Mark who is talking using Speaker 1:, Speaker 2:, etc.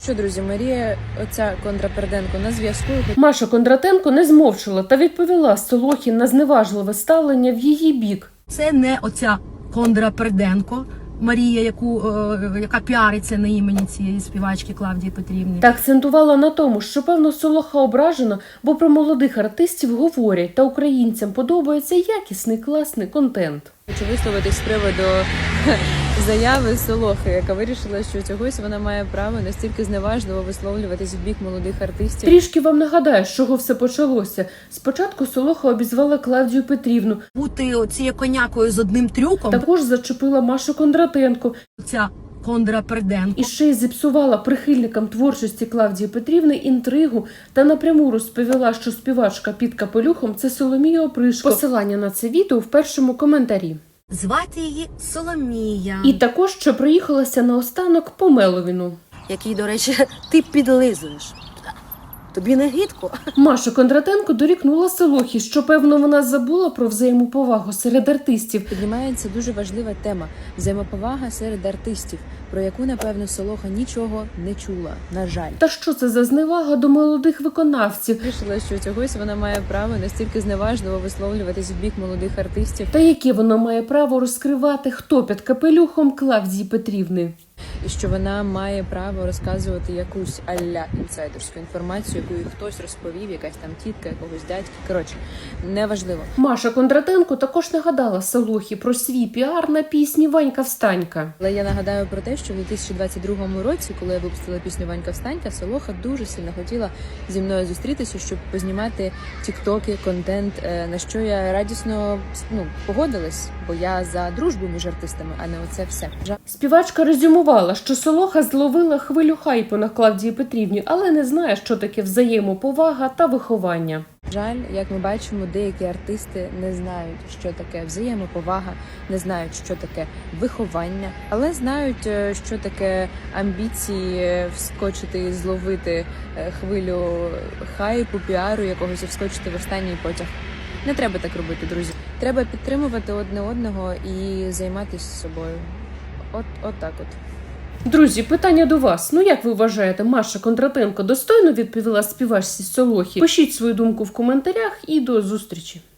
Speaker 1: Що, друзі, Марія, оця Кондрапарденко на зв'язку.
Speaker 2: Маша Кондратенко не змовчала та відповіла Солохі на зневажливе ставлення в її бік.
Speaker 3: Це не оця Кондрапарденко Марія, яка піариться на імені цієї співачки Клавдії Петрівни.
Speaker 2: Та акцентувала на тому, що, певно, Солоха ображена, бо про молодих артистів говорять, та українцям подобається якісний, класний контент.
Speaker 1: Хочу висловитись з приводу заяви Солохи, яка вирішила, що чогось вона має право настільки зневажливо висловлюватись в бік молодих артистів.
Speaker 2: Трішки вам нагадаю, з чого все почалося. Спочатку Солоха обізвала Клавдію Петрівну.
Speaker 3: Бути оцією конякою з одним трюком.
Speaker 2: Також зачепила Машу Кондратенко.
Speaker 3: Ця Кондрапарденко.
Speaker 2: І ще й зіпсувала прихильникам творчості Клавдії Петрівни інтригу та напряму розповіла, що співачка під капелюхом – це Соломія Опришко. Посилання на це відео в першому коментарі.
Speaker 3: Звати її Соломія.
Speaker 2: І також, що проїхалася наостанок по Меловіну.
Speaker 3: Який, до речі, ти підлизуєш. Тобі не гидко?
Speaker 2: Маша Кондратенко дорікнула Солохі, що, певно, вона забула про взаємоповагу серед артистів.
Speaker 1: Піднімається дуже важлива тема – взаємоповага серед артистів, про яку, напевно, Солоха нічого не чула, на жаль.
Speaker 2: Та що це за зневага до молодих виконавців?
Speaker 1: Вирішила, що чогось вона має право настільки зневажливо висловлюватись в бік молодих артистів.
Speaker 2: Та яке вона має право розкривати, хто під капелюхом Клавдії Петрівни?
Speaker 1: І що вона має право розказувати якусь а-ля інсайдерську інформацію, яку їй хтось розповів, якась там тітка, якогось дядька. Коротше, неважливо.
Speaker 2: Маша Кондратенко також нагадала Солохі про свій піар на пісні «Ванька встанька».
Speaker 1: Але я нагадаю про те, що в 2022 році, коли я випустила пісню «Ванька встанька», Солоха дуже сильно хотіла зі мною зустрітися, щоб познімати тіктоки, контент, на що я радісно погодилась, бо я за дружбу між артистами, а не оце все.
Speaker 2: Співачка резюмувала, що Солоха зловила хвилю хайпу на Клавдії Петрівні, але не знає, що таке взаємоповага та виховання.
Speaker 1: Жаль, як ми бачимо, деякі артисти не знають, що таке взаємоповага, не знають, що таке виховання, але знають, що таке амбіції вскочити і зловити хвилю хайпу, піару якогось і вскочити в останній потяг. Не треба так робити, друзі. Треба підтримувати одне одного і займатися собою. От так от.
Speaker 2: Друзі, питання до вас. Як ви вважаєте, Маша Кондратенко достойно відповіла співачці Солохі? Пишіть свою думку в коментарях і до зустрічі.